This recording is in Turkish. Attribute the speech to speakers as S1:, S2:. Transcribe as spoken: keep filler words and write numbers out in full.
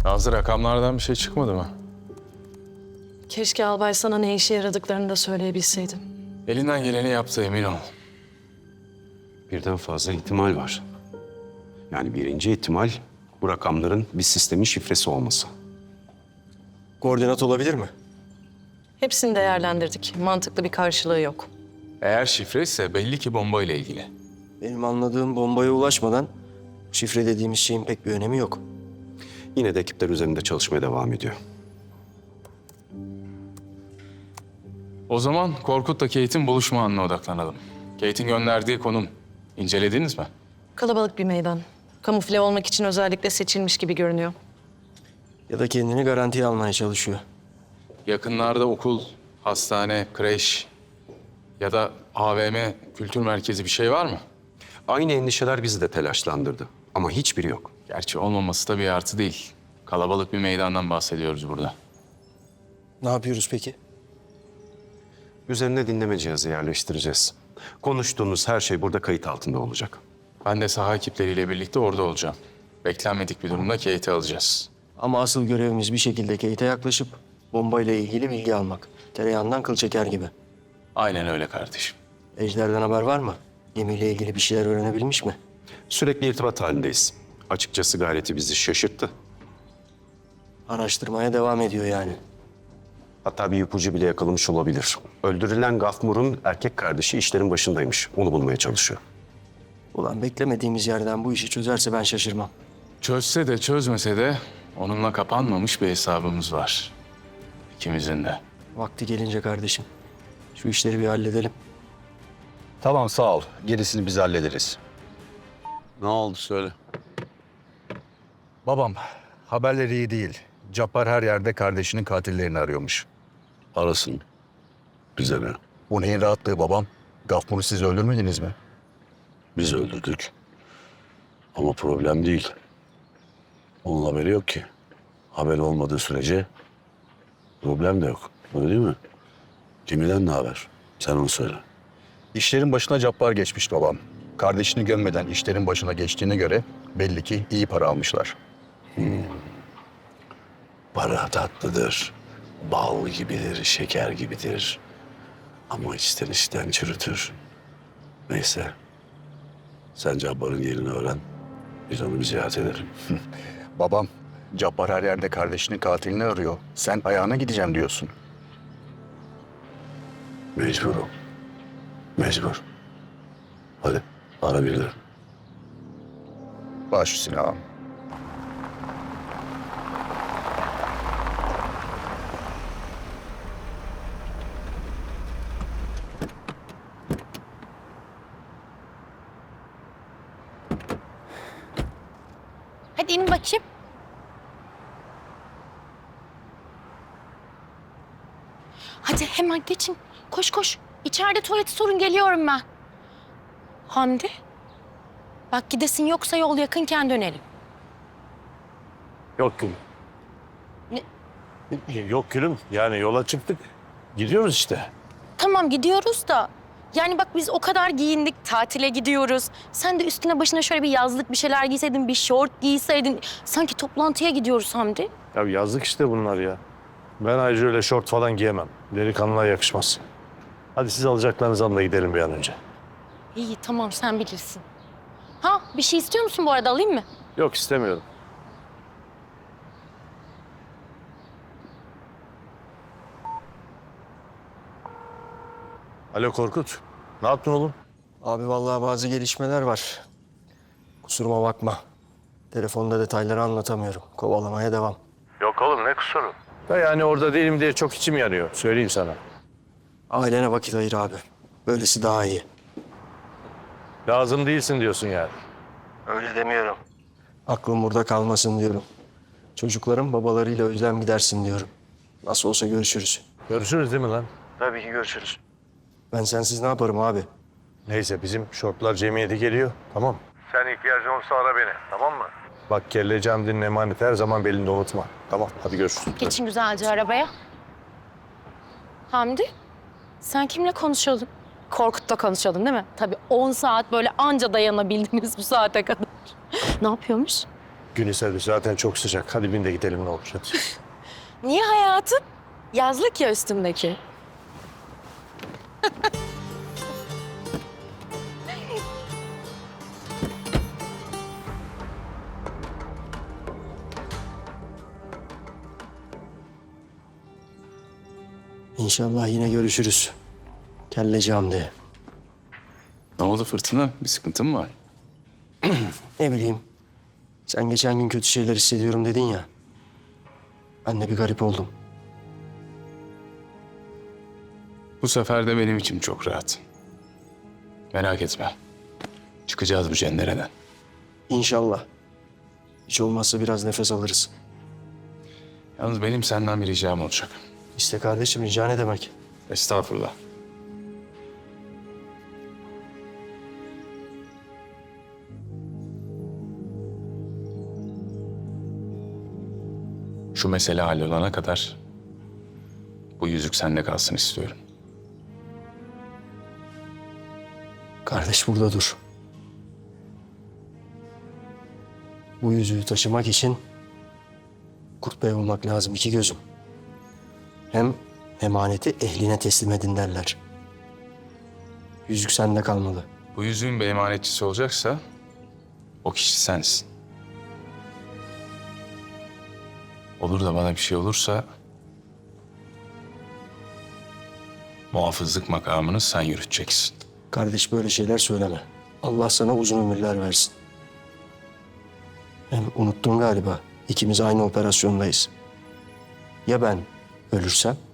S1: Nazlı, rakamlardan bir şey çıkmadı mı?
S2: Keşke albay sana ne işe yaradıklarını da söyleyebilseydim.
S1: Elinden geleni yaptı, emin ol.
S3: Birden fazla ihtimal var. Yani birinci ihtimal bu rakamların bir sistemin şifresi olması.
S4: Koordinat olabilir mi?
S2: Hepsini değerlendirdik. Mantıklı bir karşılığı yok.
S1: Eğer şifre ise belli ki bomba ile ilgili.
S4: Benim anladığım bombaya ulaşmadan şifre dediğimiz şeyin pek bir önemi yok.
S3: Yine de ekipler üzerinde çalışmaya devam ediyor.
S1: O zaman Korkut'la Kate'in buluşma anına odaklanalım. Kate'in gönderdiği konum. İncelediniz mi?
S2: Kalabalık bir meydan. Kamufle olmak için özellikle seçilmiş gibi görünüyor.
S4: Ya da kendini garantiye almaya çalışıyor.
S1: Yakınlarda okul, hastane, kreş ya da A V M, kültür merkezi bir şey var mı?
S3: Aynı endişeler bizi de telaşlandırdı. Ama hiçbiri yok.
S1: Gerçi olmaması da bir artı değil. Kalabalık bir meydandan bahsediyoruz burada.
S4: Ne yapıyoruz peki?
S3: Üzerine dinleme cihazı yerleştireceğiz. Konuştuğunuz her şey burada kayıt altında olacak.
S1: Ben de saha ekipleriyle birlikte orada olacağım. Beklenmedik bir durumda Kate'i alacağız.
S4: Ama asıl görevimiz bir şekilde Kate'e yaklaşıp bombayla ilgili bilgi almak. Tereyağından kıl çeker gibi.
S1: Aynen öyle kardeşim.
S4: Ejder'den haber var mı? Gemiyle ilgili bir şeyler öğrenebilmiş mi?
S3: Sürekli irtibat halindeyiz. Açıkçası gayreti bizi şaşırttı.
S4: Araştırmaya devam ediyor yani.
S3: Hatta bir ipucu bile yakalamış olabilir. Öldürülen Gafmur'un erkek kardeşi işlerin başındaymış. Onu bulmaya çalışıyor.
S4: Ulan beklemediğimiz yerden bu işi çözerse ben şaşırmam.
S1: Çözse de çözmese de onunla kapanmamış bir hesabımız var. İkimizin de.
S4: Vakti gelince kardeşim. Şu işleri bir halledelim.
S5: Tamam sağ ol. Gerisini biz hallederiz.
S6: Ne oldu söyle.
S5: Babam haberleri iyi değil. Cabbar her yerde kardeşinin katillerini arıyormuş.
S6: Arasın. Bize ne?
S5: Bu neyin rahatlığı babam? Gafmur'u siz öldürmediniz mi?
S6: Biz öldürdük. Ama problem değil. Onun haberi yok ki. Haber olmadığı sürece problem de yok. Öyle değil mi? Kimden ne haber? Sen onu söyle.
S5: İşlerin başına Cabbar geçmiş babam. Kardeşini gömmeden işlerin başına geçtiğine göre belli ki iyi para almışlar.
S6: Para tatlıdır. Bal gibidir, şeker gibidir. Ama içten içten çürütür. Neyse. Sen Cabbar'ın yerini öğren. Biz onu bir ziyaret edelim.
S5: Babam, Cabbar her yerde kardeşinin katilini arıyor. Sen ayağına gideceğim diyorsun.
S6: Mecburum. Mecbur. Hadi ara birileri.
S5: Baş üstüne ağam.
S7: Hadi in bakayım. Hadi hemen geçin. Koş koş. İçeride tuvaleti sorun geliyorum ben. Hamdi. Bak gidesin yoksa yol yakınken dönelim.
S8: Yok gülüm.
S7: Ne?
S8: Yok gülüm. Yani yola çıktık. Gidiyoruz işte.
S7: Tamam gidiyoruz da. Yani bak biz o kadar giyindik, tatile gidiyoruz. Sen de üstüne başına şöyle bir yazlık bir şeyler giyseydin, bir şort giyseydin. Sanki toplantıya gidiyoruz Hamdi.
S8: Ya yazlık işte bunlar ya. Ben ayrıca öyle şort falan giyemem. Delikanlığa yakışmaz. Hadi siz alacaklarınızı alın da gidelim bir an önce.
S7: İyi tamam sen bilirsin. Ha bir şey istiyor musun bu arada alayım mı?
S8: Yok istemiyorum. Alo Korkut. Ne yaptın oğlum?
S4: Abi vallahi bazı gelişmeler var. Kusuruma bakma. Telefonda detayları anlatamıyorum. Kovalamaya devam.
S8: Yok oğlum ne kusuru? Da yani orada değilim diye çok içim yanıyor. Söyleyeyim sana.
S4: Ailene vakit ayır abi. Böylesi daha iyi.
S8: Lazım değilsin diyorsun yani.
S4: Öyle demiyorum. Aklım burada kalmasın diyorum. Çocukların babalarıyla özlem gidersin diyorum. Nasıl olsa görüşürüz.
S8: Görüşürüz değil mi lan?
S4: Tabii ki görüşürüz. Ben sensiz ne yaparım abi?
S8: Neyse bizim şortlar cemiyeti geliyor. Tamam. Sen ihtiyacın olursa ara beni. Tamam mı? Bak kelle Camdi'nin emaneti her zaman belinde unutma. Tamam hadi görüşürüz.
S7: Geçin güzelce arabaya. Hamdi, sen kimle konuşuyordun? Korkut'la konuşuyordun değil mi? Tabii on saat böyle anca dayanabildiniz bu saate kadar. Ne yapıyormuş?
S8: Gün ise zaten çok sıcak. Hadi bin de gidelim ne olur hadi.
S7: Niye hayatım? Yazlık ya üstümdeki.
S4: İnşallah yine görüşürüz. Kelleci Hamdi.
S1: Ne oldu Fırtına? Bir sıkıntın mı var?
S4: Ne bileyim. Sen geçen gün kötü şeyler hissediyorum dedin ya. Ben de bir garip oldum.
S1: Bu sefer de benim içim çok rahat. Merak etme. Çıkacağız bu cendereden.
S4: İnşallah. Hiç olmazsa biraz nefes alırız.
S1: Yalnız benim senden bir ricam olacak.
S4: İşte kardeşim rica ne demek?
S1: Estağfurullah. Şu mesele hallolana kadar bu yüzük sende kalsın istiyorum.
S4: Kardeş burada dur. Bu yüzüğü taşımak için Kurt Bey olmak lazım iki gözüm. Hem emaneti ehline teslim edin derler. Yüzük sende kalmalı.
S1: Bu yüzüğün bir emanetçisi olacaksa o kişi sensin. Olur da bana bir şey olursa muhafızlık makamını sen yürüteceksin.
S4: Kardeş böyle şeyler söyleme. Allah sana uzun ömürler versin. Hem unuttun galiba. İkimiz aynı operasyondayız. Ya ben ölürsem?